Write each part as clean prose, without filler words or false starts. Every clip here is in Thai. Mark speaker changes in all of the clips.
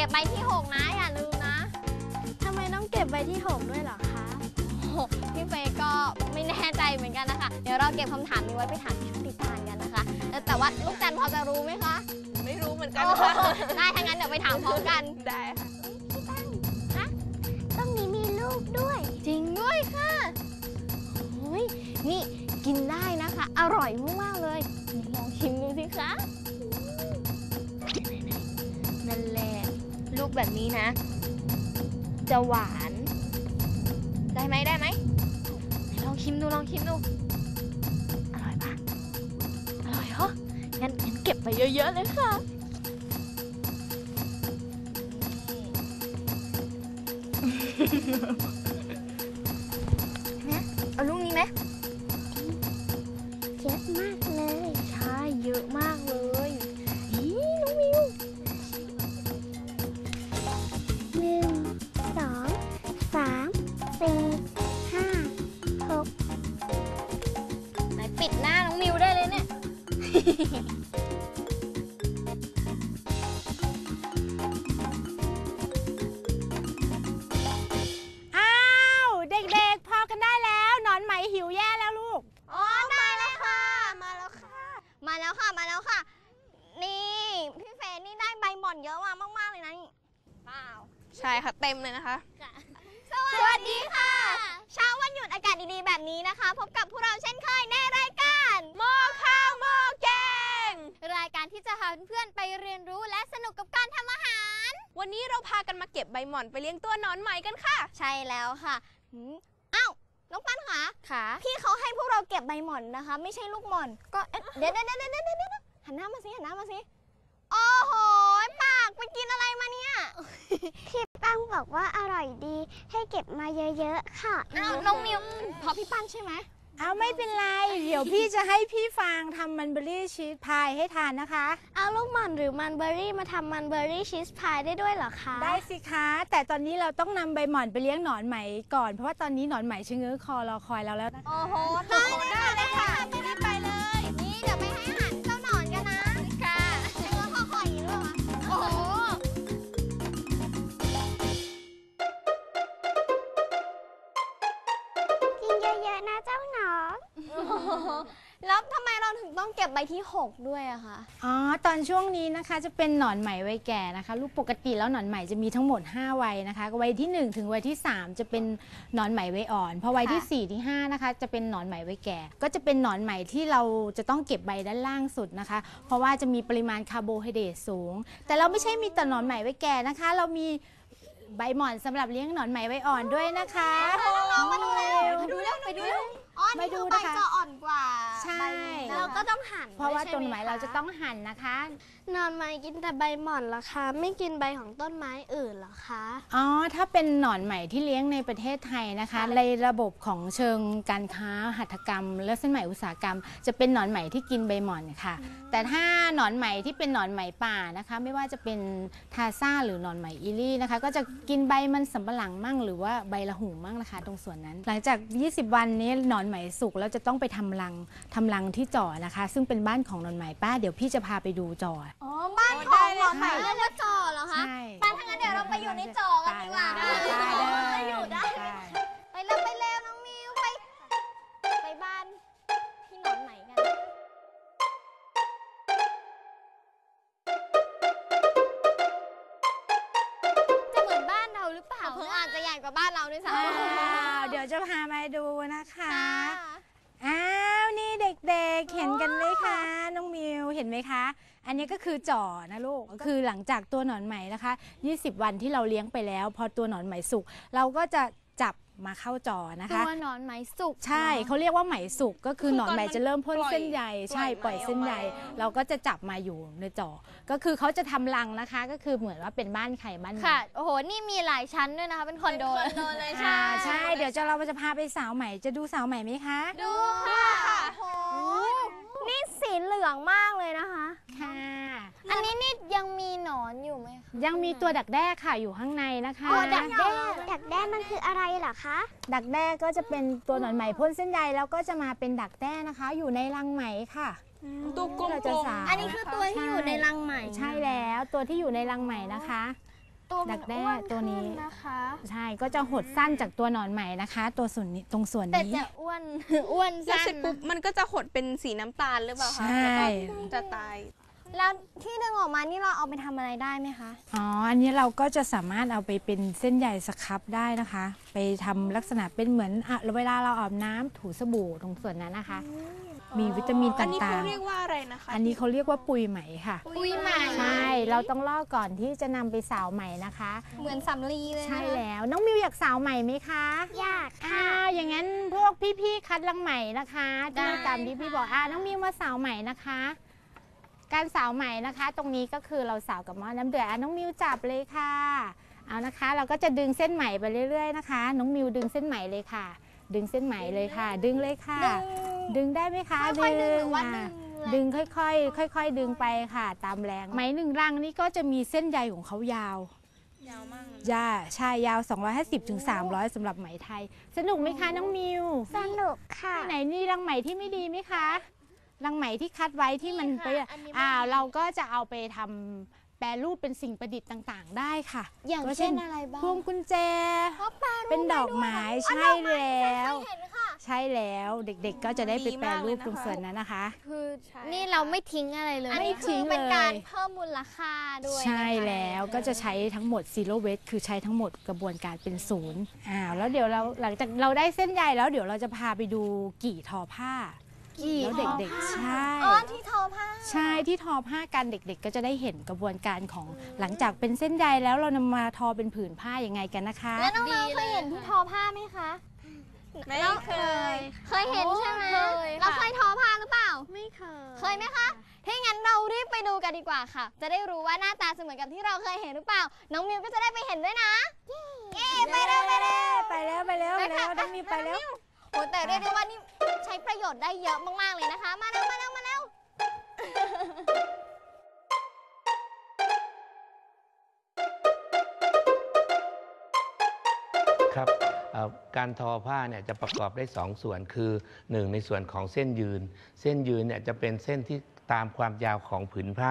Speaker 1: บใบที่6นะอย่าลืมนะ
Speaker 2: ทำไมต้องเก็บใบที่6ด้วยเหรอคะ
Speaker 1: พี่เฟย์ก็ไม่แน่ใจเหมือนกันนะคะเดี๋ยวเราเก็บคำถามนี้ไว้ไปถามพี่ติตานกันนะคะแต่ว่าลูกจันพอจะรู้ไหมคะ
Speaker 3: ไม่รู้เหมือนกันค่ะ
Speaker 1: ได้ถ้างั้นเดี๋ยวไปถามพร้อมกัน
Speaker 3: ได้ค่ะ
Speaker 2: พี่ตั้งฮะต้องมีลูกด้วย
Speaker 1: จริงด้วยค่ะโอ้ยนี่กินได้นะคะอร่อยมากๆเลยลองชิมดูสิคะ
Speaker 2: นั่นแหละลูกแบบนี้นะจะหวาน
Speaker 1: ได้ไหม
Speaker 2: ลองชิมดูอร่อยปะอร่อยเหรองั้นเก็บไปเยอะๆเลยค่ะเนี่ยเอาลูกนี้ไหมเยอะมากเลยใช่เยอะมากเลยน้องมิว1 2 3 4 5 6
Speaker 1: ไหนปิดหน้าน้องมิวได้เลยเนี่ย
Speaker 4: อ้าวเด็กๆพอกันได้แล้วหนอนไหมหิวแย่แล้วลูก
Speaker 1: อ๋อมาแล้วค่ะมาแล้วค่ะนี่พี่เฟย์นี่ได้ใบหม่อนเยอะมากๆเลยนะนี่เปล่า
Speaker 3: ใช่ค่ะเต็มเลยนะคะ
Speaker 1: สวัสดีค่ะเช้าวันหยุดอากาศดีๆแบบนี้นะคะพบกับพวกเราเช่นเคยในรายการ
Speaker 3: หม้อข้าวหม้อแกง
Speaker 1: รายการที่จะพาเพื่อนๆไปเรียนรู้และสนุกกับการทำอาหาร
Speaker 3: วันนี้เราพากันมาเก็บใบหม่อนไปเลี้ยงตัวหนอนไหมกันค่ะ
Speaker 1: ใช่แล้วค่ะอ้าวน้องปั้นค่ะพี่เขาให้พวกเราเก็บใบหม่อนนะคะไม่ใช่ลูกหม่อนก็เดี๋ยวหันหน้ามาสิโอ้โหปากไปกินอะไรมาเนี่ย
Speaker 2: พี่ปั้งบอกว่าอร่อยดีให้เก็บมาเยอะๆค่ะ
Speaker 1: น้องมิวพอพี่ปั้นใช่ไหม
Speaker 4: เอาไม่เป็นไรเดี๋ยวพี่จะให้พี่ฟางทำมันเบอรี่ชีสพายให้ทานนะคะ
Speaker 2: เอาลูกหม่อนหรือมันเบอรี่มาทำมันเบอรี่ชีสพายได้ด้วยเหรอคะ
Speaker 4: ได้สิคะแต่ตอนนี้เราต้องนำใบหม่อนไปเลี้ยงหนอนไหมก่อนเพราะว่าตอนนี้หนอนไหมชะเง้อคอรอคอยเราแล้วนะคะ
Speaker 1: โอ้โหได้ค่ะรีบไปเลยนี่เดี๋ยวไปให้อาหารเจ้าหนอนกันนะค่ะชะเง้อคออย่างนี้ด้วยโอ้โห
Speaker 2: กินเยอะๆนะเจ้าหนอน
Speaker 1: แล้วทำไมเราถึงต้องเก็บใบที่6ด้วยอะคะ
Speaker 4: อ๋อตอนช่วงนี้นะคะจะเป็นหนอนไหมวัยแก่นะคะลูกปกติแล้วหนอนไหมจะมีทั้งหมด5วัยนะคะวัยที่1ถึงวัยที่3จะเป็นหนอนไหมวัยอ่อนพอวัยที่4ที่5นะคะจะเป็นหนอนไหมวัยแก่ก็จะเป็นหนอนไหมที่เราจะต้องเก็บใบด้านล่างสุดนะคะเพราะว่าจะมีปริมาณคาร์โบไฮเดรตสูงแต่เราไม่ใช่มีแต่หนอนไหมวัยแก่นะคะเรามีใบหม่อนสำหรับเลี้ยงหนอนไหมวัยอ่อนด้วยนะคะ
Speaker 1: น้องๆมาดูเร็วไปดูอ๋อนี่คือใบจะอ่อนกว่า
Speaker 4: ใช่
Speaker 1: เราก็ต้องหั่น
Speaker 4: เพราะว่าต้นไม้เราจะต้องหั่นนะคะ
Speaker 2: หนอนไหมกินแต่ใบหม่อนเหรอคะไม่กินใบของต้นไม้อื่นเหรอคะ
Speaker 4: อ๋อถ้าเป็นหนอนไหมที่เลี้ยงในประเทศไทยนะคะในระบบของเชิงการค้าหัตถกรรมและเส้นไหมอุตสาหกรรมจะเป็นหนอนไหมที่กินใบหม่อนค่ะแต่ถ้าหนอนไหมที่เป็นหนอนไหมป่านะคะไม่ว่าจะเป็นทาซ่าหรือหนอนไหมอีลี่นะคะก็จะกินใบมันสำปะหลังมั่งหรือว่าใบละหุ่งมั่งนะคะตรงส่วนนั้นหลังจาก20 วันนี้หนอนไหมสุกแล้วจะต้องไปทำรังที่จ่อนะคะซึ่งเป็นบ้านของหนอนไหมป้าเดี๋ยวพี่จะพาไปดูจ่อ
Speaker 1: อ๋อบ้านของหนอนไหมเรียกว่าจ่อเหรอคะ
Speaker 4: ใช่
Speaker 1: ป้าถ้างั้นเดี๋ยวเราไปอยู่ในจ่อกันดีกว่าได้อยู่ได้ไปแล้วน้องมิวไปบ้านพี่หนอนไหมกันจะเหมือนบ้านเราหรือเปล่าอาจจะใหญ่กว่าบ้านเราด้วยซ้
Speaker 4: ำเดี๋ยวจะพามาดูนะคะอ้าวนี่เด็กๆเห็นกันไหมคะน้องมิวเห็นไหมคะอันนี้ก็คือจ่อนะลูกก็คือหลังจากตัวหนอนไหมนะคะ20 วันที่เราเลี้ยงไปแล้วพอตัวหนอนไหมสุกเราก็จะจับมาเข้าจ่อนะคะ
Speaker 1: ตัวหนอนไหมสุก
Speaker 4: ใช่เขาเรียกว่าไหมสุกก็คือหนอนไหมจะเริ่มพ่นเส้นใยใช่ปล่อยเส้นใยเราก็จะจับมาอยู่ในจ่อก็คือเขาจะทำรังนะคะก็คือเหมือนว่าเป็นบ้านใครบ้าน
Speaker 1: ค่ะโอ้โหนี่มีหลายชั้นด้วยนะคะเป็นคอนโดเลย
Speaker 4: ใช่เดี๋ยวเราจะพาไปสาวใหม่จะดูสาวใหม่ไหมคะ
Speaker 1: ดูค่ะโอ้นี่สีเหลืองมากเลยนะคะ
Speaker 4: ค่ะ
Speaker 1: อันนี้นี่ยังมีหนอนอยู่ไหมคะ
Speaker 4: ยังมีตัวดักแด้ค่ะอยู่ข้างในนะคะ
Speaker 2: ดักแด้มันคืออะไรเหรอคะ
Speaker 4: ดักแด้ก็จะเป็นตัวหนอนไหมพ่นเส้นใยแล้วก็จะมาเป็นดักแด้นะคะอยู่ในรังไหมค่ะ
Speaker 3: ตัวกลม
Speaker 1: ๆอันนี้คือตัวที่อยู่ในรังไหม
Speaker 4: ใช่แล้วตัวที่อยู่ในรังไหมนะคะดักแด้ตัวนี้
Speaker 2: นะคะ
Speaker 4: ใช่ก็จะหดสั้นจากตัวหนอนไหมนะคะ ตัวส่วนนี้ตรงส่วน
Speaker 2: แต่
Speaker 4: นี้
Speaker 2: จะอ้วน อ้วน
Speaker 3: แล้ว
Speaker 2: สั้น
Speaker 3: เสร็จปุ๊บมันก็จะหดเป็นสีน้ำตาลหรือเปล่าคะ
Speaker 4: ใช่
Speaker 3: แล้วก็จะตาย
Speaker 1: แล้วที่ดึงออกมานี่เราเอาไปทำอะไรได้ไหมคะ
Speaker 4: อ๋ออันนี้เราก็จะสามารถเอาไปเป็นเส้นใยสครับได้นะคะ ไปทำลักษณะเป็นเหมือนเวลาเราอาบน้ำถูสบู่ตรงส่วนนั้นนะคะ มีวิตามิน
Speaker 3: อันนี้
Speaker 4: ต่า
Speaker 3: เขา
Speaker 4: ง
Speaker 3: เรียกว่าอะไรนะคะ
Speaker 4: ๆอันนี้เขาเรียกว่าปุยไหมค่ะ
Speaker 2: ปุยไหม
Speaker 4: ใช่เราต้องลอกก่อนที่จะนำไปสาวไหมนะคะ
Speaker 1: เหมือนสำลีเลยนะ
Speaker 4: ใช่แล้วน้องมิวอยากสาวไหมไหมคะ
Speaker 1: อยาก
Speaker 4: อย่างนั้นพวกพี่ๆคัดลังไหมนะคะที่ตามที่พี่บอกน้องมิวมาสาวไหมนะคะ การสาวไหมนะคะ ตรงนี้ก็คือเราสาวกับหม้อน้ำเดือดน้องมิวจับเลยค่ะเอานะคะ เราก็จะดึงเส้นไหมไปเรื่อยๆนะคะ น้องมิวดึงเส้นไหมเลยค่ะ ดึงเส้นไหมเลยค่ะ ดึงเลยค่ะ ดึงได้ไหมคะ
Speaker 1: ค่อยๆดึงหรือว่า
Speaker 4: อ่ะ
Speaker 1: ดึง
Speaker 4: ดึงค่อยๆดึงไปค่ะ ตามแรงไหมหนึ่งรังนี่ก็จะมีเส้นใยของเขายาว
Speaker 3: ยาวมากเลย
Speaker 4: ใช่ยาว 250 ถึง 300สำหรับไหมไทย สนุกไหมคะน้องมิว
Speaker 1: สนุกค่ะ
Speaker 4: ไหนนี่รังไหมที่ไม่ดีไหมคะรังไหมที่คัดไว้ที่มันไป
Speaker 2: อันนี้ไม่ดี
Speaker 4: เราก็จะเอาไปทำแปรรูปเป็นสิ่งประดิษฐ์ต่างๆ ได้ค่ะ
Speaker 1: อย่าง
Speaker 4: ก็
Speaker 1: เช่นอะไรบ้าง
Speaker 4: พวงกุญแจ
Speaker 1: เขาแปรรูป
Speaker 4: เป็นดอกไม้ใช่แล้ว
Speaker 1: เห็นค่ะ
Speaker 4: ใช่แล้วเด็กๆก็จะได้ไปแปรรูปตรงส่วนนั้นนะคะ
Speaker 2: คือ
Speaker 3: ใช่
Speaker 2: นี่เราไม่ทิ้งอะไรเลย
Speaker 1: อันนี้
Speaker 4: ไม่
Speaker 1: คื
Speaker 4: ทิ้
Speaker 1: อง เป็นการ
Speaker 4: เลย
Speaker 1: เพิ่มมูลค่าด้วย
Speaker 4: ใช่
Speaker 1: นะคะ
Speaker 4: แล้วก็จะใช้ทั้งหมด zero waste คือใช้ทั้งหมดกระบวนการเป็นศูนย์แล้วเดี๋ยวเราหลังจากเราได้เส้นใยแล้วเดี๋ยวเราจะพาไปดูกี่ทอผ้าแล้วเด็กๆใช่
Speaker 1: อ๋อที่ทอผ้า
Speaker 4: ใช่ที่ทอผ้ากันเด็กๆ ก็จะได้เห็นกระบวนการของหลังจากเป็นเส้นใยแล้วเรานำมาทอเป็นผืนผ้ายังไงกันนะคะ
Speaker 1: แล้วน้องๆเคยเห็นที่ทอผ้าไหมคะ
Speaker 3: ไม่เคย
Speaker 1: เคยเห็นใช่ไหม
Speaker 2: เคยค่ะ
Speaker 1: เราเคยทอผ้าหรือเปล่า
Speaker 2: ไม่เคย
Speaker 1: เคยไหมคะถ้างั้นเรารีบไปดูกันดีกว่าค่ะ จะได้รู้ว่าหน้าตาจะเหมือนกับที่เราเคยเห็นหรือเปล่า น้องมิวก็จะได้ไปเห็นด้วยนะเย้ไปเร็วไปเร็ว
Speaker 4: ไปแล้วน้องมีไปแล้ว
Speaker 1: โอ้แต่เรียกได้ว่านี่ใช้ประโยชน์ได้เยอะมากๆเลยนะคะ มาเร็วมาเร็วมาเร็ว
Speaker 5: ครับการทอผ้าเนี่ยจะประกอบได้2ส่วนคือ1ในส่วนของเส้นยืน เส้นยืนเนี่ยจะเป็นเส้นที่ตามความยาวของผืนผ้า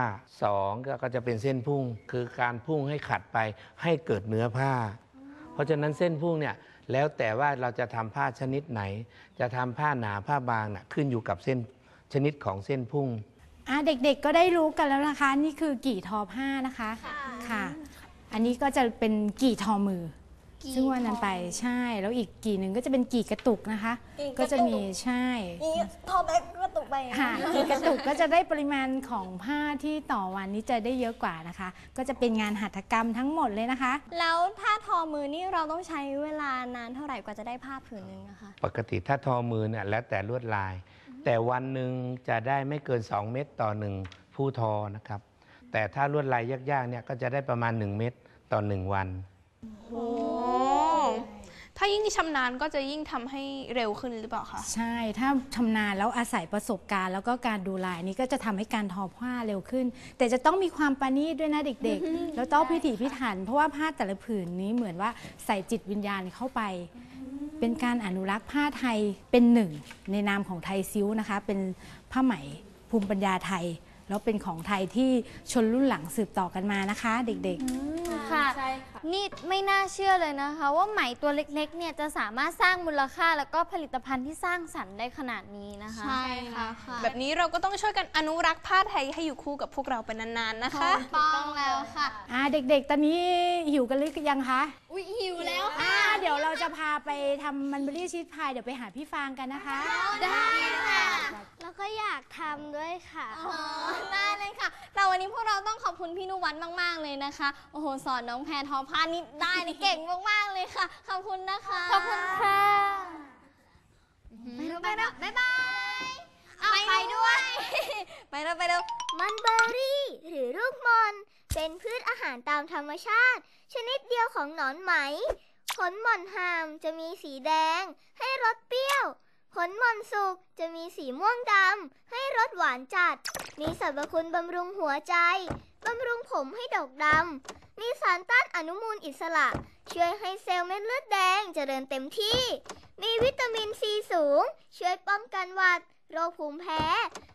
Speaker 5: 2ก็จะเป็นเส้นพุ่งคือการพุ่งให้ขัดไปให้เกิดเนื้อผ้า เพราะฉะนั้นเส้นพุ่งเนี่ยแล้วแต่ว่าเราจะทำผ้าชนิดไหน จะทำผ้าหนาผ้าบางน่ะขึ้นอยู่กับเส้นชนิดของเส้นพุ่ง
Speaker 4: เด็กๆก็ได้รู้กันแล้วนะคะ นี่คือกี่ทอผ้านะคะค่ะ อันนี้ก็จะเป็นกี่ทอมือ ซึ่งวันนั้นไปใช่แล้วอีกกี่หนึ่งก็จะเป็นกี่กระตุกนะคะ ก็จะมีใช่
Speaker 1: นี่ทอไปก็ตกไป
Speaker 4: ค่ะกี่กระตุกก็จะได้ปริมาณของผ้าที่ต่อวันนี้จะได้เยอะกว่านะคะ ก็จะเป็นงานหัตถกรรมทั้งหมดเลยนะคะ
Speaker 1: แล้วถ้าทอมือนี่เราต้องใช้เวลานานเท่าไหร่กว่าจะได้ผ้าผืนนึงนะคะ
Speaker 5: ปกติถ้าทอมือเนี่ยแล้วแต่ลวดลาย แต่วันหนึ่งจะได้ไม่เกิน2เม็ดต่อ1ผู้ทอนะครับแต่ถ้าลวดลายยากๆเนี่ยก็จะได้ประมาณ1เม็ดต่อ1วัน
Speaker 3: โอ้ถ้ายิ่งชำนาญก็จะยิ่งทำให้เร็วขึ้นหรือเปล่าคะ
Speaker 4: ใช่ถ้าชำนาญแล้วอาศัยประสบการณ์แล้วก็การดูลายนี้ก็จะทำให้การทอผ้าเร็วขึ้น แต่จะต้องมีความประณีตด้วยนะเด็กๆ แล้วต้องพิถีพิถันเพราะว่าผ้าแต่ละผืนนี้เหมือนว่าใส่จิตวิญญาณเข้าไป เป็นการอนุรักษ์ผ้าไทยเป็นหนึ่งในนามของไทยซิ้วนะคะ เป็นผ้าไหมภูมิปัญญาไทย แล้วเป็นของไทยที่ชนรุ่นหลังสืบต่อกันมานะคะ เด็กๆ
Speaker 2: ค่ะนี่ไม่น่าเชื่อเลยนะคะว่าไหมตัวเล็กๆเนี่ยจะสามารถสร้างมูลค่าแล้วก็ผลิตภัณฑ์ที่สร้างสรรค์ได้ขนาดนี้นะคะ
Speaker 1: ใช่ค่ะ
Speaker 3: แบบนี้เราก็ต้องช่วยกันอนุรักษ์ผ้าไทยให้อยู่คู่กับพวกเราเป็นนานๆนะคะ
Speaker 1: ถูกต้องแล้วค่ะ
Speaker 4: เด็กๆ ตอนนี้หิวกันหรือยังคะ
Speaker 1: อุ้ยหิวแล้ว
Speaker 4: เดี๋ยวเราจะพาไปทำมันเบอรี่ชีสพายเดี๋ยวไปหาพี่ฟางกันนะคะ
Speaker 1: ได้ค่ะ
Speaker 2: แล้วก็อยากทำด้วยค่ะ
Speaker 1: ได้เลยค่ะแต่วันนี้พวกเราต้องขอบคุณพี่นุวัฒน์มากๆเลยนะคะ โอ้โหสอนน้องแพรทอผ้านี่ได้นี่เก่งมากๆเลยค่ะ ขอบคุณนะคะ
Speaker 2: ขอบคุณค่ะ
Speaker 1: ไปแล้วบ๊ายบายไปด้วย ไปแล้ว
Speaker 6: มันเบอร์รี่หรือลูกม่อนเป็นพืชอาหารตามธรรมชาติ ชนิดเดียวของหนอนไหม ผลหม่อนหามจะมีสีแดงให้รสเปรี้ยว ผลหม่อนสุกจะมีสีม่วงดำให้รสหวานจัด มีสรรพคุณบำรุงหัวใจบำรุงผมให้ดกดำมีสารต้านอนุมูลอิสระ ช่วยให้เซลล์เม็ดเลือดแดงเจริญเต็มที่ มีวิตามินซีสูง ช่วยป้องกันหวัด โรคภูมิแพ้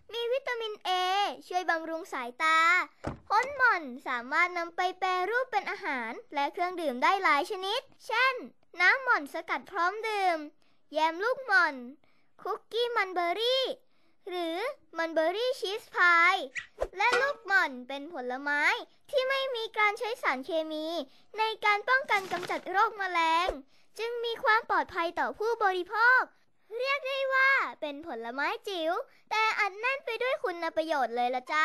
Speaker 6: มีวิตามิน A ช่วยบำรุงสายตาผลหม่อนสามารถนำไปแปรรูปเป็นอาหารและเครื่องดื่มได้หลายชนิด เช่น น้ำหม่อนสกัดพร้อมดื่ม แยมลูกหม่อน คุกกี้มันเบอร์รี่ หรือมันเบอร์รี่ชีสพายและลูกหม่อนเป็นผลไม้ที่ไม่มีการใช้สารเคมีในการป้องกันกำจัดโรคแมลง จึงมีความปลอดภัยต่อผู้บริโภค เรียกได้ว่าเป็นผลไม้จิ๋วแต่อัดแน่นไปด้วยคุณประโยชน์เลยละจ้า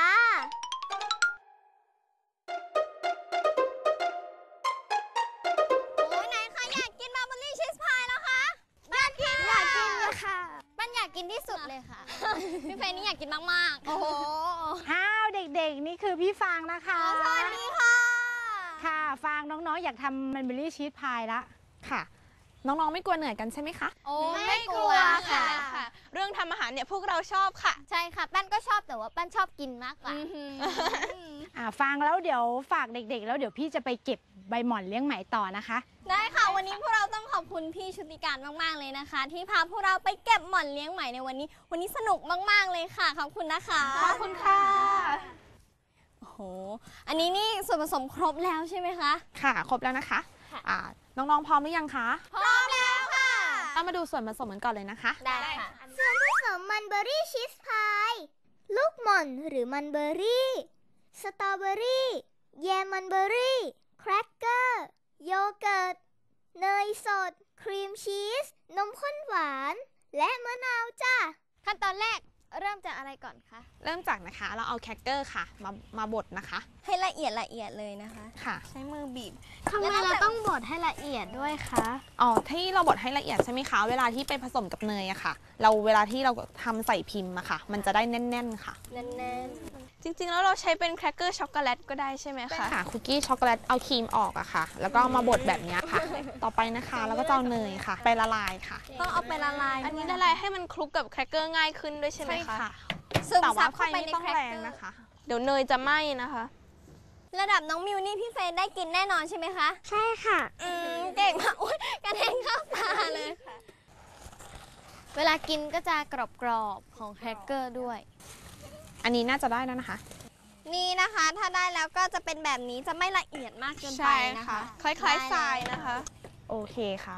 Speaker 1: โอ้ยไหนใครอยากกินมาร์เบอรี่ชีสพายแล้วคะอยากกินค่ะปั้นอยากกินที่สุดเลยค่ะ พี่เฟย์นี่อยากกินมากๆ โอ้โห
Speaker 4: อ้าวเด็กๆนี่คือพี่ฟางนะคะ
Speaker 1: สวัสดีค่ะ
Speaker 4: ค่ะฟางน้องๆอยากทำมันเบอรี่ชีสพายละ
Speaker 3: ค่ะ น้องๆไม่กลัวเหนื่อยกันใช่ไหมคะ
Speaker 1: โอ้ไม่กลัวค่ะ
Speaker 3: เรื่องทำอาหารเนี่ยพวกเราชอบค่ะ
Speaker 1: ใช่ค่ะปั้นก็ชอบแต่ว่าปั้นชอบกินมากกว่า
Speaker 4: ฟังแล้วเดี๋ยวฝากเด็กๆ แล้วเดี๋ยวพี่จะไปเก็บใบหม่อนเลี้ยงไหมต่อนะคะ
Speaker 1: ได้ค่ะ วันนี้พวกเราต้องขอบคุณพี่ชุติการมากๆเลยนะคะ ที่พาพวกเราไปเก็บหม่อนเลี้ยงไหมในวันนี้สนุกมากๆเลยค่ะขอบคุณนะคะ
Speaker 3: ขอบคุณค่ะ
Speaker 1: โอ้โหอันนี้นี่ส่วนผสมครบแล้วใช่ไหมคะ
Speaker 3: ค่ะ ครบแล้วนะคะน้องๆพร้อมหรือยังคะ
Speaker 1: พร้อมแล้วค่ะ
Speaker 3: เรามาดูส่วนผสมกันก่อนเลยนะคะ
Speaker 1: ได้ค่ะ
Speaker 6: ส่วนผสมมันเบอร์รี่ชีสพายลูกหม่อนหรือมันเบอร์รี่ สตรอเบอร์รี่ แยมมันเบอร์รี่ แครกเกอร์ โยเกิร์ต เนยสด ครีมชีส นมข้นหวาน และมะนาวจ้า
Speaker 1: ขั้นตอนแรกเริ่มจากอะไรก่อนคะ
Speaker 3: เริ่มจากนะคะเราเอาแครกเกอร์ค่ะมาบดนะคะ
Speaker 1: ให้ละเอียดเลยนะคะ
Speaker 3: ค่ะ
Speaker 1: ใช้มือบีบ
Speaker 2: ทำไมเราต้องบดให้ละเอียดด้วยคะ
Speaker 3: อ๋อที่เราบดให้ละเอียดใช่ไหมคะ เวลาที่ไปผสมกับเนยอะค่ะ เวลาที่เราทำใส่พิมพ์อะค่ะ มันจะได้แน่นๆค่ะ
Speaker 1: แน่น
Speaker 7: จริงๆ แล้วเราใช้เป็นแครกเกอร์ช็อกโกแลตก็ได้ใช่ไหมคะ
Speaker 3: ค่ะคุกกี้ช็อกโกแลตเอาครีมออกอะค่ะ แล้วก็เอามาบดแบบนี้ค่ะ ต่อไปนะคะเราก็จะเอาเนยค่ะ ไปละลายค่ะ
Speaker 1: ๆต้องเอาไปละลาย
Speaker 7: อันนี้ละลายให้มันคลุกกับแครกเกอร์ง่ายขึ้นด้วยใช่ไหมคะ
Speaker 1: ซึม
Speaker 3: แต่
Speaker 1: ซั
Speaker 3: ว่า
Speaker 1: บ
Speaker 3: ไฟ
Speaker 1: เข้าไป
Speaker 3: ไม่
Speaker 1: ใน
Speaker 3: ต้อง
Speaker 1: แครก
Speaker 3: แร
Speaker 1: เก
Speaker 3: ง
Speaker 1: อร์
Speaker 3: นะคะ
Speaker 7: เดี๋ยวเนยจะไหม้นะคะ
Speaker 1: ระดับน้องมิวนี่พี่เฟย์ได้กินแน่นอนใช่ไหมคะ
Speaker 6: ใช่ค่ะ
Speaker 1: เก่งมากอุ๊ยกระเด็นเข้าตาเลย เวลากินก็จะกรอบๆของแครกเกอร์ด้วย
Speaker 3: อันนี้น่าจะได้แล้วนะคะ
Speaker 1: นี่นะคะ ถ้าได้แล้วก็จะเป็นแบบนี้จะไม่ละเอียดมากเกินไป
Speaker 7: ใช่
Speaker 1: นะ
Speaker 7: ค่ะ
Speaker 1: คะ
Speaker 7: คล้ายๆทรายนะคะ
Speaker 3: โอเคค่ะ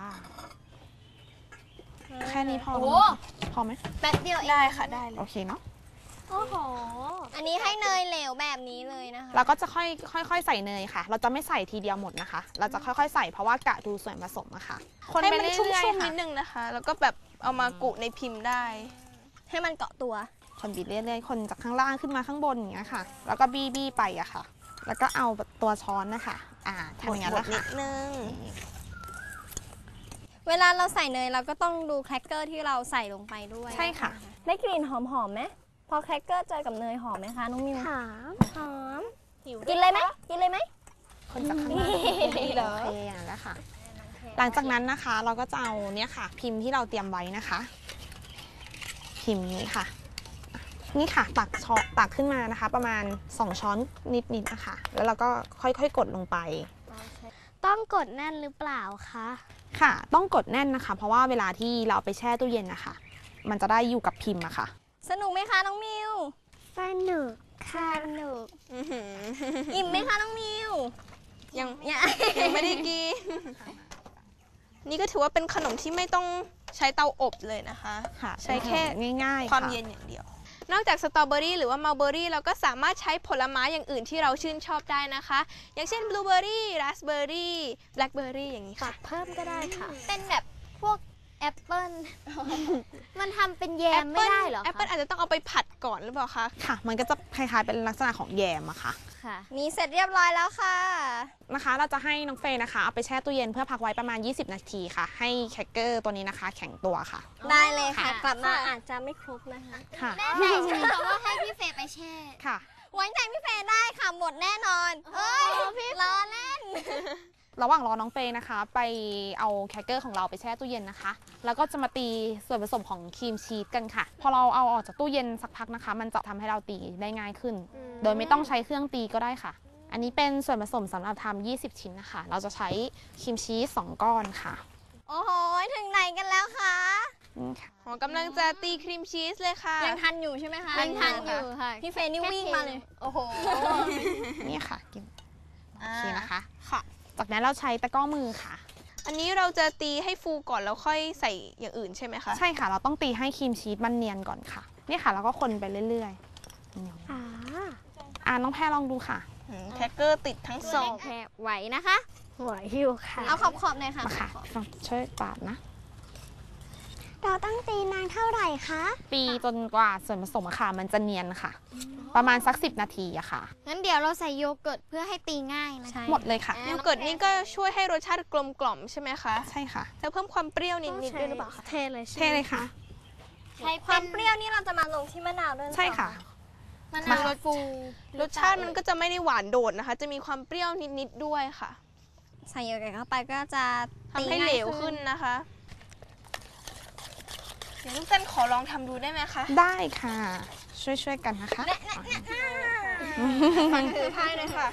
Speaker 3: แค่นี้พอ
Speaker 1: โอ้
Speaker 3: พอไหม
Speaker 1: แป๊บเดียวเอง
Speaker 7: ได้ค่ะได้เลย
Speaker 3: โอเคเนาะ
Speaker 1: โอ้โห อันนี้ให้เนยเหลวแบบนี้เลยนะคะ
Speaker 3: เราก็จะค่อยๆใส่เนยค่ะ เราจะไม่ใส่ทีเดียวหมดนะคะ เราจะค่อยๆใส่เพราะว่ากะดูส่วนผสมอะค่ะ คน
Speaker 7: ให้
Speaker 3: ไป
Speaker 7: มัน
Speaker 3: เรื่
Speaker 7: ชุ่
Speaker 3: อย
Speaker 7: ม
Speaker 3: ๆ
Speaker 7: ๆ
Speaker 3: ค่ะ
Speaker 7: นิดนึงนะคะ แล้วก็แบบเอามากุในพิมพ์ได้
Speaker 1: ให้มันเกาะตัว
Speaker 3: คนบีบเรื่อยๆ คนจากข้างล่างขึ้นมาข้างบนอย่างเงี้ยค่ะ แล้วก็บี้ไปอะค่ะ แล้วก็เอาตัวช้อนนะคะทำอย่างนั้นแหละ
Speaker 7: นิ
Speaker 3: ค่ะ
Speaker 7: ดนึง
Speaker 1: เวลาเราใส่เนยเราก็ต้องดูแครกเกอร์ที่เราใส่ลงไปด้วย
Speaker 3: ใช่ค่ะ
Speaker 1: ได้กลิ่นหอมๆไหมพอแครกเกอร์เจอกับเนยหอมไหมคะน้องมิว
Speaker 6: หอม
Speaker 1: หอม กินเลยไหมกินเลยไหม
Speaker 3: คนจากข้างล่างโอเคอย่างนั้นแหละค่ะ หลังจากนั้นนะคะเราก็จะเอาเนี่ยค่ะ พิมพ์ที่เราเตรียมไว้นะคะ พิมพ์นี้ค่ะ นี่ค่ะตักขึ้นมานะคะ ประมาณ2ช้อนนิดๆนะคะ แล้วเราก็ค่อยๆกดลงไป
Speaker 2: ต้องกดแน่นหรือเปล่าคะ
Speaker 3: ค่ะ ต้องกดแน่นนะคะ เพราะว่าเวลาที่เราเอาไปแช่ตู้เย็นนะคะ มันจะได้อยู่กับพิมพ์อะค่ะ
Speaker 1: สนุกไหมคะน้องมิว
Speaker 6: สนุกค่ะ
Speaker 1: สนุกอิ่มไหมคะน้องมิว
Speaker 7: ยัง
Speaker 1: เนี่ย
Speaker 7: ยังไม่ได้กิน นี่ก็ถือว่าเป็นขนมที่ไม่ต้องใช้เตาอบเลยนะคะ
Speaker 3: ค่ะ
Speaker 7: ใช้แค่
Speaker 3: ง่ายๆ
Speaker 7: ความ
Speaker 3: ค่ะ
Speaker 7: เย็นอย่างเดียว นอกจากสตรอเบอรี่หรือว่ามัลเบอรี่เราก็สามารถใช้ผลไม้อย่างอื่นที่เราชื่นชอบได้นะคะ อย่างเช่นบลูเบอรี่ราสเบอรี่แบล็คเบอรี่อย่างนี้ค่ะ
Speaker 2: เพิ่มก็ได้ค่ะ
Speaker 1: เป็นแบบพวกแอปเปิ้ล
Speaker 2: มันทำเป็นแยมไม่ได้เหรอ
Speaker 7: แอปเปิ้ล
Speaker 2: คะ
Speaker 7: อาจจะต้องเอาไปผัดก่อนหรือเปล่าคะ
Speaker 3: ค่ะ มันก็จะคล้ายๆเป็นลักษณะของแยมอะค่ะ
Speaker 2: ค่ะ
Speaker 1: นี่เสร็จเรียบร้อยแล้วค่ะ
Speaker 3: นะคะเราจะให้น้องเฟย์นะคะเอาไปแช่ตู้เย็นเพื่อพักไว้ประมาณ 20 นาทีค่ะ ให้แครกเกอร์ตัวนี้นะคะ แข็งตัวค่ะ
Speaker 1: ได้เลยค่ะ
Speaker 2: ค่ะ
Speaker 1: กลับมาอาจจะไม่ครบนะคะ
Speaker 3: ค่ะ
Speaker 1: แน่ใจใช่ไหมคะว่าให้พี่เฟย์ไปแช่
Speaker 3: ค่ะ
Speaker 1: ไว้ใจพี่เฟย์ได้ค่ะหมดแน่นอน เฮ้ยพี่ล้อเล่น
Speaker 3: ระหว่างรอน้องเฟย์นะคะ ไปเอาแครกเกอร์ของเราไปแช่ตู้เย็นนะคะ แล้วก็จะมาตีส่วนผสมของครีมชีสกันค่ะ พอเราเอาออกจากตู้เย็นสักพักนะคะ มันจะทำให้เราตีได้ง่ายขึ้น โดยไม่ต้องใช้เครื่องตีก็ได้ค่ะ อันนี้เป็นส่วนผสมสำหรับทำ20 ชิ้นนะคะ เราจะใช้ครีมชีส2 ก้อนค่ะ
Speaker 1: โอ้โห ถึงไหนกันแล้วคะ
Speaker 3: นี่ค่ะ
Speaker 7: อ๋อกำลังจะตีครีมชีสเลยค่ะ
Speaker 1: ยังทันอยู่ใช่ไหมคะ
Speaker 2: ยังทันอยู่ค่ะ
Speaker 1: พี่เฟย์นี่วิ่งมาเลย
Speaker 2: โอ้โห
Speaker 3: นี่ค่ะกินโอเคนะคะ
Speaker 7: ค่ะ
Speaker 3: จากนั้นเราใช้ตะกร้อมือค่ะ
Speaker 7: อันนี้เราจะตีให้ฟูก่อนแล้วค่อยใส่อย่างอื่นใช่ไหมคะ
Speaker 3: ใช่ค่ะ เราต้องตีให้ครีมชีสมันเนียนก่อนค่ะ นี่ค่ะแล้วก็คนไปเรื่อยๆน้องแพรลองดูค่ะ
Speaker 7: แครกเกอร์ติดทั้งสอง
Speaker 2: แพรไหวนะคะ ไหวอยู่ค่ะ
Speaker 1: เอาขอบๆหน่อยค่ะ
Speaker 3: มาค่ะฟังช่วยปาดนะ
Speaker 6: เราต้องตีนานเท่าไหร่คะ
Speaker 3: ตีจนกว่าส่วนผสมอะค่ะมันจะเนียนค่ะ ประมาณสัก10 นาทีอะค่ะ
Speaker 2: งั้นเดี๋ยวเราใส่โยเกิร์ตเพื่อให้ตีง่ายนะคะ
Speaker 3: หมดเลยค่ะ
Speaker 7: โยเกิร์ตนี่ก็ช่วยให้รสชาติกลมกล่อมใช่ไหมคะ
Speaker 3: ใช่ค่ะ
Speaker 7: แล้วเพิ่มความเปรี้ยวนิดๆด้วยหรือเปล่าคะ
Speaker 2: เทเลยใช่
Speaker 3: เทเลยค่ะ
Speaker 1: ใช้ความเปรี้ยวนี่เราจะมาลงที่มะนาวด้วยหรือเป
Speaker 3: ใช่
Speaker 1: ล่า
Speaker 3: ค่ะ
Speaker 2: มันนาวรสฟู
Speaker 7: รสชาติมันก็จะไม่ได้หวานโดดนะคะ จะมีความเปรี้ยวนิดๆด้วยค่ะ
Speaker 1: ใส่โยเกิร์ตเข้าไปก็จะ
Speaker 7: ทำให้เหลวขึ้นนะคะ เดี๋ยวลูกเต้นขอลองทำดูได้ไหมคะ
Speaker 3: ได้ค่ะ ช่วยๆกันนะคะ
Speaker 7: ฟังถือไพ่เลยค่ะ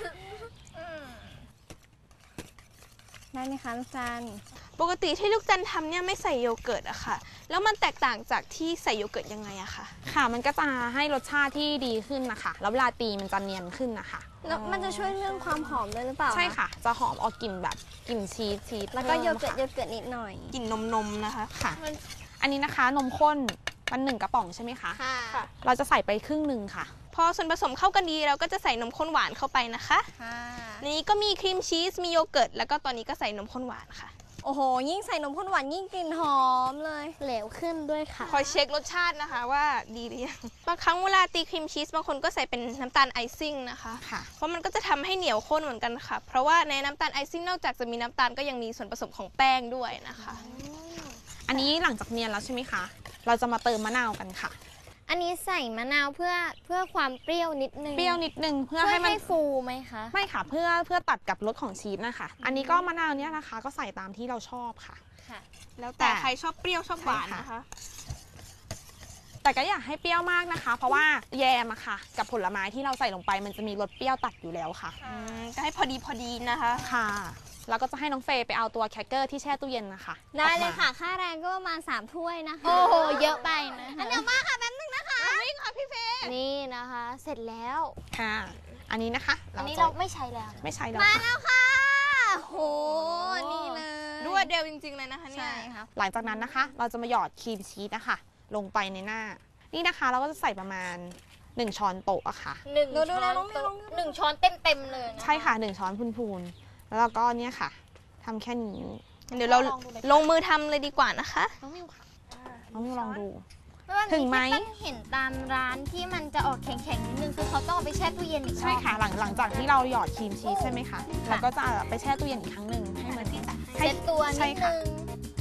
Speaker 1: ได้ไหมคะลูกจัน
Speaker 7: ปกติที่ลูกจันทำเนี่ยไม่ใส่โยเกิร์ตอะค่ะ แล้วมันแตกต่างจากที่ใส่โยเกิร์ตยังไงอะคะ
Speaker 3: ค่ะ มันก็จะให้รสชาติที่ดีขึ้นนะคะ แล้วเวลาตีมันจะเนียนขึ้นนะคะ
Speaker 1: แล้วมันจะช่วยเรื่องความหอมด้วยหรือเปล่า
Speaker 3: ใช่ค่ะ จะหอมออกกลิ่นแบบกลิ่นชีส
Speaker 1: แล้วก็โย
Speaker 3: พิ่ม
Speaker 1: เกิร์ต
Speaker 3: ค่ะ
Speaker 1: โยเกิร์ตนิดหน่อย
Speaker 7: กลิ่นนมๆนะคะ
Speaker 3: ค่ะ อันนี้นะคะนมข้นมัน1 กระป๋องใช่ไหมคะ
Speaker 1: ค่ะ
Speaker 3: เราจะใส่ไปครึ่งหนึ่งค่ะ
Speaker 7: พอส่วนผสมเข้ากันดีเราก็จะใส่นมข้นหวานเข้าไปนะคะ
Speaker 1: ค่ะ
Speaker 7: ในนี้ก็มีครีมชีส มีโยเกิร์ต แล้วก็ตอนนี้ก็ใส่นมข้นหวานค่ะ
Speaker 1: โอ้โห ยิ่งใส่นมข้นหวานยิ่งกลิ่นหอมเลย
Speaker 2: เหลวขึ้นด้วยค่ะ
Speaker 7: คอยเช็ครสชาตินะคะว่าดีหรือยัง บางครั้งเวลาตีครีมชีสบางคนก็ใส่เป็นน้ำตาลไอซิ่งนะคะ
Speaker 3: ค่ะ
Speaker 7: เพราะมันก็จะทำให้เหนียวข้นเหมือนกันค่ะ เพราะว่าในน้ำตาลไอซิ่งนอกจากจะมีน้ำตาลก็ยังมีส่วนผสมของแป้งด้วยนะคะ
Speaker 3: อันนี้หลังจากเนียนแล้วใช่ไหมคะ เราจะมาเติมมะนาวกันค่ะ
Speaker 2: อันนี้ใส่มะนาวเพื่อความเปรี้ยวนิดนึง
Speaker 3: เปรี้ยวนิดนึงเพื่อ
Speaker 2: ช่วย
Speaker 3: ให้มัน
Speaker 2: ให้ฟูไหมคะ
Speaker 3: ไม่ค่ะเพื่อตัดกับรสของชีสนะคะ อันนี้ก็มะนาวเนี่ยนะคะ ก็ใส่ตามที่เราชอบค่ะ
Speaker 2: ค่ะ
Speaker 7: แล้วแต่ใครชอบเปรี้ยวชอบหวานนะคะ
Speaker 3: แต่ก็อยากให้เปรี้ยวมากนะคะ เพราะว่าแยมอะค่ะ กับผลไม้ที่เราใส่ลงไปมันจะมีรสเปรี้ยวตัดอยู่แล้วค่ะ
Speaker 7: ก็ให้พอดีนะคะ
Speaker 3: ค่ะ แล้วก็จะให้น้องเฟย์ไปเอาตัวแครกเกอร์ที่แช่ตู้เย็นนะคะ
Speaker 1: ได้เลย
Speaker 3: ออกมา
Speaker 1: ค่ะ ค่าแรงก็ประมาณ3 ถ้วยนะคะ
Speaker 2: โอ้โห เยอะไปนะ
Speaker 1: อันเดียวมากค่ะแป๊บนึงนะคะ
Speaker 2: นี่นะคะ เสร็จแล้ว
Speaker 3: ค่ะ อันนี้นะคะ
Speaker 2: อันนี้
Speaker 3: จะ
Speaker 2: เราไม่ใช้แล้ว
Speaker 3: ไม่ใช้แล้ว
Speaker 1: มา
Speaker 3: ค่ะ
Speaker 1: แล้วค่ะโห นี่เลย
Speaker 7: รวดเร็วจริงๆเลยนะคะเนี่ย
Speaker 1: ใช่ค่ะ
Speaker 3: หลังจากนั้นนะคะ เราจะมาหยอดครีมชีสนะคะลงไปในหน้า นี่นะคะเราก็จะใส่ประมาณ1 ช้อนโต๊ะอะค่ะ
Speaker 1: ดูแล้วน้องมิวลองดู
Speaker 2: หนึ่งช้อนเต็มเลยนะ
Speaker 3: ใช่ค่ะ1 ช้อนพูนๆแล้วเราก็เนี่ยค่ะทำแค่นี้
Speaker 7: เดี๋ยวเราลงมือทำเลยดีกว่านะคะ
Speaker 3: น้องมิวค่ะน้องมิวลองดู
Speaker 2: แล้วอันนี้
Speaker 3: ถึงไหม
Speaker 2: ที่ตั้งเห็นตามร้านที่มันจะออกแข็งๆนิดนึงคือเขาต้องเอาไปแช่ตู้เย็นอีกรอบ
Speaker 3: ใช่ค่ะหลังจากที่เราหยอดครีมชีสใช่ไหมคะเราก็จะไปแช่ตู้เย็นอีกครั้งหนึ่งให้มัน
Speaker 2: เซ็ตตัว
Speaker 3: ใช่
Speaker 2: นิด
Speaker 3: ค่ะ
Speaker 2: นึง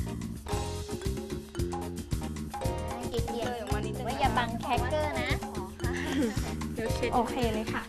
Speaker 2: ให้เกลี่ยๆว่าอย่าบังแครกเกอร์นะ
Speaker 3: โอเคเลยค่ะ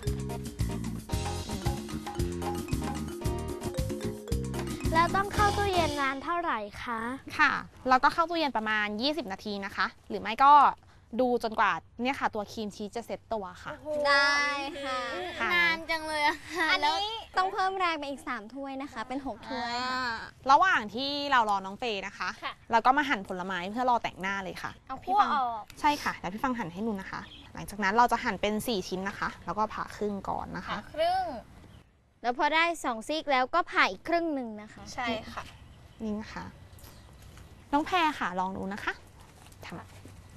Speaker 2: แล้วต้องเข้าตู้เย็นนานเท่าไหร่คะ
Speaker 3: ค่ะเราก็เข้าตู้เย็นประมาณ20 นาทีนะคะ หรือไม่ก็ดูจนกว่าเนี่ยค่ะ ตัวครีมชีสจะเซ็ตตัวค่ะ
Speaker 1: ได้ค่ะ
Speaker 3: ค่ะ
Speaker 2: นานจังเลยอะค่ะ
Speaker 1: อัน
Speaker 2: แล้ว
Speaker 1: นี้ต้องเพิ่มแรงไปอีก3 ถ้วยนะคะ เป็น6 ถ้วยค่ะ
Speaker 3: ระหว่างที่เรารอน้องเฟย์นะคะ
Speaker 2: ค่ะ
Speaker 3: เราก็มาหั่นผลไม้เพื่อรอแต่งหน้าเลยค่ะ
Speaker 2: เอา
Speaker 3: พี่
Speaker 2: คั่ว
Speaker 3: ฟัง
Speaker 2: ออก
Speaker 3: ใช่ค่ะแล้วพี่ฟังหั่นให้ดูนะคะ หลังจากนั้นเราจะหั่นเป็น4 ชิ้นนะคะ แล้วก็ผ่าครึ่งก่อนนะคะ
Speaker 2: ครึ่ง แล้วพอได้2ซีกแล้วก็ผ่าอีกครึ่งหนึ่งนะคะ
Speaker 7: ใช่ค่ะ
Speaker 3: นี่นะคะ น้องแพรค่ะลองดูนะคะทำ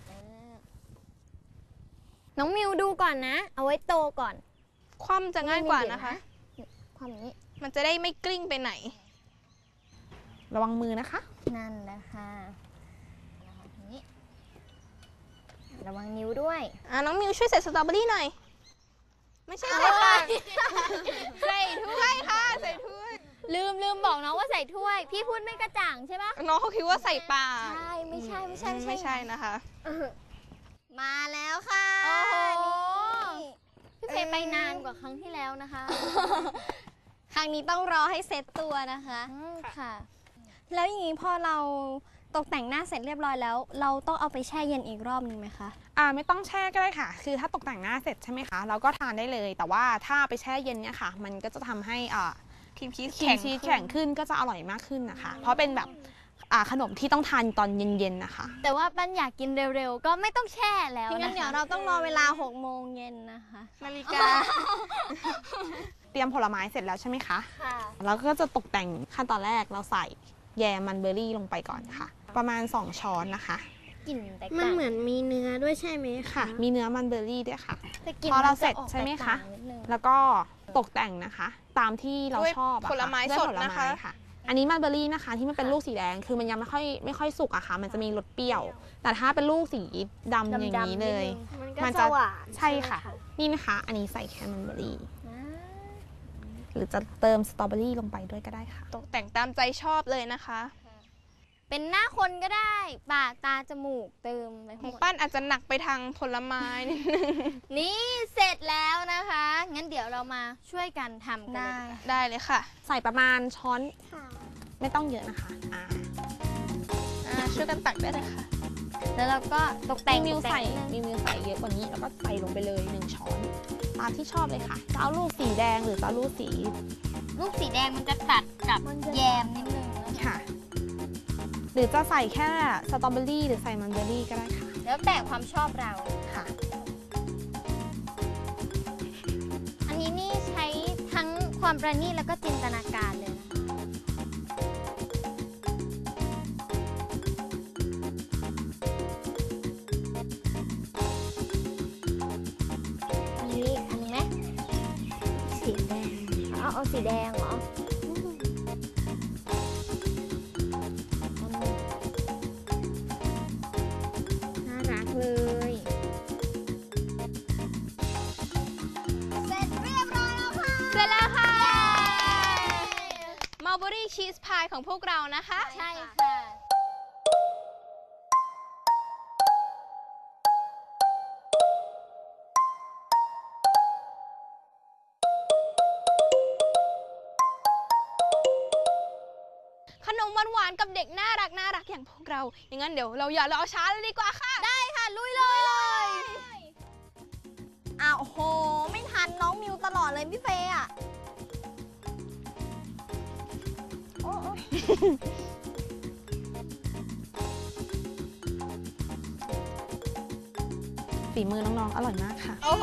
Speaker 2: น้องมิวดูก่อนนะ เอาไว้โตก่อน
Speaker 7: คว่ำจะง่ายกว่านะคะ
Speaker 2: ความนี้
Speaker 7: มันจะได้ไม่กลิ้งไปไหน
Speaker 3: ระวังมือนะคะ
Speaker 2: นั่นแหละค่ะนี่ระวังนิ้วด้วย
Speaker 7: น้องมิวช่วยใส่สตรอเบอรี่หน่อย ไม่ใช่ใส่ปากใส่ถ้วยค่ะ ใส่ถ้วย
Speaker 2: ลืมบอกน้องว่าใส่ถ้วย พี่พูดไม่กระจ่างใช่ปะ
Speaker 7: น้องเขาคิดว่าใส่ปาก
Speaker 2: ใช่ไม่ใช่
Speaker 7: ไม่ใช่นะคะ
Speaker 1: มาแล้วค่ะ
Speaker 2: โอ้โห
Speaker 1: นี่
Speaker 2: พี่เพย์ไปนานกว่าครั้งที่แล้วนะคะ
Speaker 1: ครั้งนี้ต้องรอให้เซ็ตตัวนะคะ
Speaker 2: ค่ะ
Speaker 1: แล้วอย่างนี้พอเราตกแต่งหน้าเสร็จเรียบร้อยแล้ว เราต้องเอาไปแช่เย็นอีกรอบนึงไหมคะ
Speaker 3: ไม่ต้องแช่ก็ได้ค่ะ คือถ้าตกแต่งหน้าเสร็จใช่ไหมคะ เราก็ทานได้เลย แต่ว่าถ้าไปแช่เย็นเนี่ยค่ะ มันก็จะทำให้
Speaker 7: ครีมชีส
Speaker 3: ครีมชีสแข็งขึ้นก็จะอร่อยมากขึ้นนะคะ เพราะเป็นแบบขนมที่ต้องทานตอนเย็นๆนะคะ
Speaker 2: แต่ว่าปั้นอยากกินเร็วๆ ก็ไม่ต้องแช่แล้ว
Speaker 1: งั้น
Speaker 2: นะ
Speaker 1: เดี๋ยว
Speaker 2: คะ
Speaker 1: เราต้องรอเวลา6 โมงเย็นนะคะ
Speaker 7: นาฬิกา
Speaker 3: เตรียมผลไม้เสร็จแล้วใช่ไหมคะ
Speaker 1: ค่ะ
Speaker 3: แล้วก็จะตกแต่งขั้นตอนแรกเราใส่แยมมันเบอร์รี่ลงไปก่อนค่ะ ประมาณ2 ช้อนนะคะ
Speaker 2: กลิ่นแตก
Speaker 1: มัน
Speaker 2: ต่าง
Speaker 1: เหมือนมีเนื้อด้วยใช่ไหม
Speaker 3: ค่ะ มีเนื้อมันเบอร์รี่ด้วยค่ะ
Speaker 2: แต่กลิ่น
Speaker 3: พอเรา
Speaker 2: นจ
Speaker 3: เสร็จ
Speaker 2: ออก
Speaker 3: ใช่ไหมคะ
Speaker 2: แตกต่างนิดนึง
Speaker 3: แล้วก็ตกแต่งนะคะ ตามที่เรา
Speaker 7: ด้วย
Speaker 3: ชอบอะค่ะ
Speaker 7: ผลไม้
Speaker 3: ด้วย
Speaker 7: สด
Speaker 3: ผล
Speaker 7: นะคะ
Speaker 3: ไม้ค่ะ อันนี้มันเบอร์รี่นะคะ ที่มันเป็นลูกสีแดงคือมันยังไม่ค่อยสุกอะค่ะ มันจะมีรสเปรี้ยว แต่ถ้าเป็นลูกสีดำอย่างนี้เลย
Speaker 1: มันก็จะหวาน
Speaker 3: ใช่ค่ะ นี่นะคะ อันนี้ใส่แค่มันเบอร์รี่ หรือจะเติมสตรอเบอรี่ลงไปด้วยก็ได้ค่ะ
Speaker 7: ตกแต่งตามใจชอบเลยนะคะ
Speaker 2: เป็นหน้าคนก็ได้ ปากตาจมูกเติมไปห
Speaker 7: ข
Speaker 2: ม
Speaker 7: อง
Speaker 2: ด
Speaker 7: ปั้นอาจจะหนักไปทางผลไม้นิดนึง
Speaker 2: นี่เสร็จแล้วนะคะ งั้นเดี๋ยวเรามาช่วยกันทำกันเลยดีกว่า
Speaker 7: ได้เลยค่ะ
Speaker 3: ใส่ประมาณช้อนไม่ต้องเยอะนะคะ
Speaker 7: ช่วยกันตักได้เลยค่ะ
Speaker 2: แล้วเราก็ตกแต่ง
Speaker 3: มิว
Speaker 2: ตก
Speaker 3: ใส่
Speaker 2: งนิดนึง
Speaker 3: มิวใส่เยอะกว่านี้แล้วก็ใส่ลงไปเลย1 ช้อน ตามที่ชอบเลยค่ะจะเอาลูกสีแดงหรือจะเอาลูกสี
Speaker 2: ลูกสีแดงมันจะตัดกับแยมนิดนึงนะคะ
Speaker 3: ค่ะ หรือจะใส่แค่สตรอเบอรี่หรือใส่มันเบอร์รี่ก็ได้ค่ะ
Speaker 2: แล้วแต่ความชอบเรา
Speaker 3: ค่ะ
Speaker 2: อันนี้นี่ใช้ทั้งความประณีตแล้วก็จินตนาการเลยนะคะ
Speaker 1: อันนี้ไหมสีแดงเอาสีแดงเหรอน่ารักเลย
Speaker 2: เสร็จเรียบร้อยแล้วค่ะ
Speaker 7: เสร็จแล้วค่ะ มัลเบอรี่ชีสพายของพวกเรานะคะ
Speaker 2: ใช่ค่ะ
Speaker 7: ขนมหวานๆกับเด็กน่ารักอย่างพวกเรา อย่างนั้นเดี๋ยวเราอย่ารอช้าเลยดีกว่าค่ะ
Speaker 2: ได้ค่ะ ลุยเลย
Speaker 1: อ้าวโห ไม่ทันน้องมิวตลอดเลยพี่เฟย์อ่ะ
Speaker 3: ฝีมือน้องๆ อร่อยมากค่ะ
Speaker 2: โอ้โห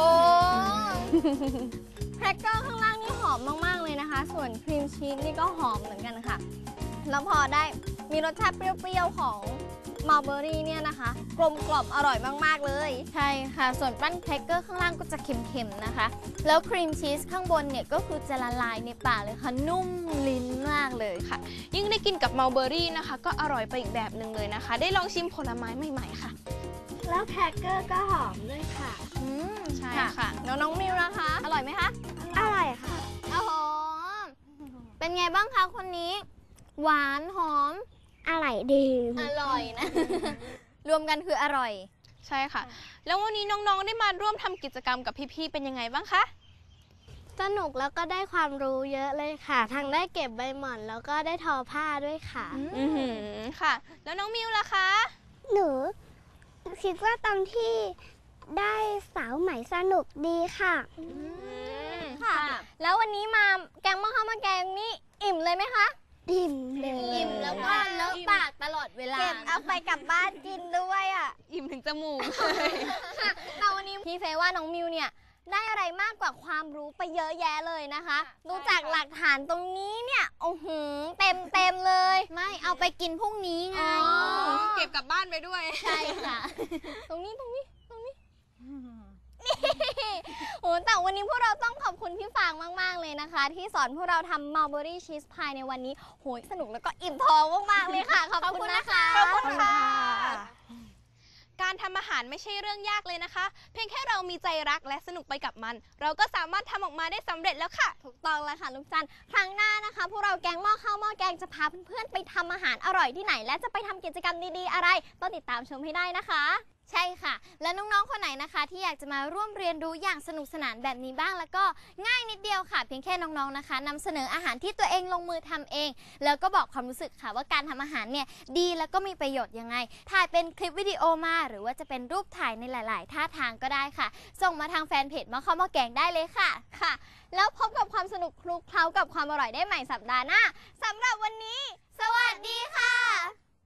Speaker 1: แครกเกอร์ข้างล่างนี่หอมมากๆเลยนะคะ ส่วนครีมชีสนี่ก็หอมเหมือนกันค่ะ แล้วพอได้มีรสชาติเปรี้ยวๆของมัลเบอรี่เนี่ยนะคะ กลมกล่อมอร่อยมากๆเลย
Speaker 2: ใช่ค่ะ ส่วนปั้นแครกเกอร์ข้างล่างก็จะเค็มๆนะคะ แล้วครีมชีสข้างบนเนี่ยก็คือจะละลายในปากเลยค่ะ นุ่มลิ้นมากเลยค่ะ
Speaker 7: ยิ่งได้กินกับมัลเบอรี่นะคะ ก็อร่อยไปอีกแบบหนึ่งเลยนะคะ ได้ลองชิมผลไม้ใหม่ๆค่ะ
Speaker 1: แล้วแครกเกอร์ก็หอมด้วยค่ะ
Speaker 7: ใช่ค่ะ
Speaker 1: แล้วน้องมิวนะคะ อร่อยไหมคะ
Speaker 6: อร่อยค่ะ
Speaker 2: โอ้โห เป็นไงบ้างคะคนนี้ หวานหอม
Speaker 6: อร่อยดี
Speaker 2: อร่อยนะ รวมกันคืออร่อย
Speaker 7: ใช่ค่ะ แล้ววันนี้น้องๆได้มาร่วมทำกิจกรรมกับพี่ๆเป็นยังไงบ้างคะ
Speaker 6: สนุกแล้วก็ได้ความรู้เยอะเลยค่ะ ทั้งได้เก็บใบหม่อนแล้วก็ได้ทอผ้าด้วยค่ะ
Speaker 7: อือหือค่ะ แล้วน้องมิวล่ะคะ
Speaker 6: หนูคิดว่าตอนที่ได้สาวใหม่สนุกดีค่ะ
Speaker 1: ค่ะ แล้ววันนี้มาแกงหม้อข้าวมาแกงนี่อิ่มเลยไหมคะ
Speaker 6: ดิ่มเลย
Speaker 2: อิ่มแล้วก็เลอะปากตลอดเวลา
Speaker 1: เก็บเอาไปกลับบ้านกินด้วยอ่ะ
Speaker 7: อิ่มถึงจมูก
Speaker 1: แต่วันนี้พี่เฟย์ว่าน้องมิวเนี่ยได้อะไรมากกว่าความรู้ไปเยอะแยะเลยนะคะ ดูจากหลักฐานตรงนี้เนี่ยโอ้โหเต็มเลย
Speaker 2: ไม่เอาไปกินพรุ่งนี้ไง
Speaker 7: เก็บกลับบ้านไปด้วย
Speaker 2: ใช่ค่ะ
Speaker 1: ตรงนี้โอ้แต่วันนี้พวกเราต้องขอบคุณพี่ฟางมากๆเลยนะคะ ที่สอนพวกเราทำมัลเบอรี่ชีสพายในวันนี้โหยสนุกแล้วก็อิ่มท้องมากๆเลยค่ะ ขอบคุณนะคะ
Speaker 7: ขอบคุณค่ะ การทำอาหารไม่ใช่เรื่องยากเลยนะคะ เพียงแค่เรามีใจรักและสนุกไปกับมัน เราก็สามารถทำออกมาได้สำเร็จแล้วค่ะ
Speaker 1: ถูกต้องแล้วค่ะลูกจันทร์ครั้งหน้านะคะ พวกเราแกงหม้อข้าวหม้อแกงจะพาเพื่อนๆไปทำอาหารอร่อยที่ไหน และจะไปทำกิจกรรมดีๆอะไรต้องติดตามชมให้ได้นะคะ
Speaker 2: ใช่ค่ะ และน้องๆ คนไหนนะคะ ที่อยากจะมาร่วมเรียนรู้อย่างสนุกสนานแบบนี้บ้างแล้วก็ง่ายนิดเดียวค่ะ เพียงแค่น้องๆ นะคะนำเสนออาหารที่ตัวเองลงมือทำเอง แล้วก็บอกความรู้สึกค่ะว่าการทำอาหารเนี่ยดีแล้วก็มีประโยชน์ยังไง ถ่ายเป็นคลิปวิดีโอมาหรือว่าจะเป็นรูปถ่ายในหลายๆท่าทางก็ได้ค่ะ ส่งมาทางแฟนเพจหม้อข้าวหม้อแกงได้เลยค่ะ
Speaker 1: ค่ะ แล้วพบกับความสนุกคลุกเคล้ากับความอร่อยได้ใหม่สัปดาห์หน้าสำหรับวันนี้ สวัสดีค่ะ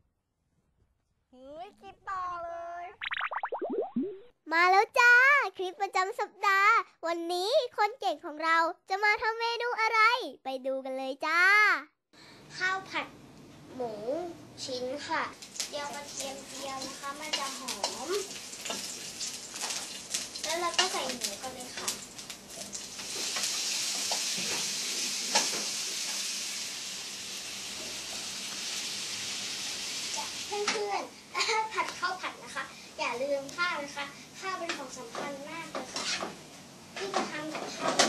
Speaker 6: มาแล้วจ้า คลิปประจำสัปดาห์ วันนี้คนเก่งของเราจะมาทำเมนูอะไร ไปดูกันเลยจ้า ข้าวผัดหมูชิ้นค่ะเจียวกระเทียมเจียวนะคะมันจะหอม แล้วเราก็ใส่หมูกันเลยค่ะเพื่อนๆถ้าผัดข้าวผัดนะคะ อย่าลืมข้าวนะคะข้าวเป็นของสำคัญมากเลยค่ะที่จะทำกับข้าว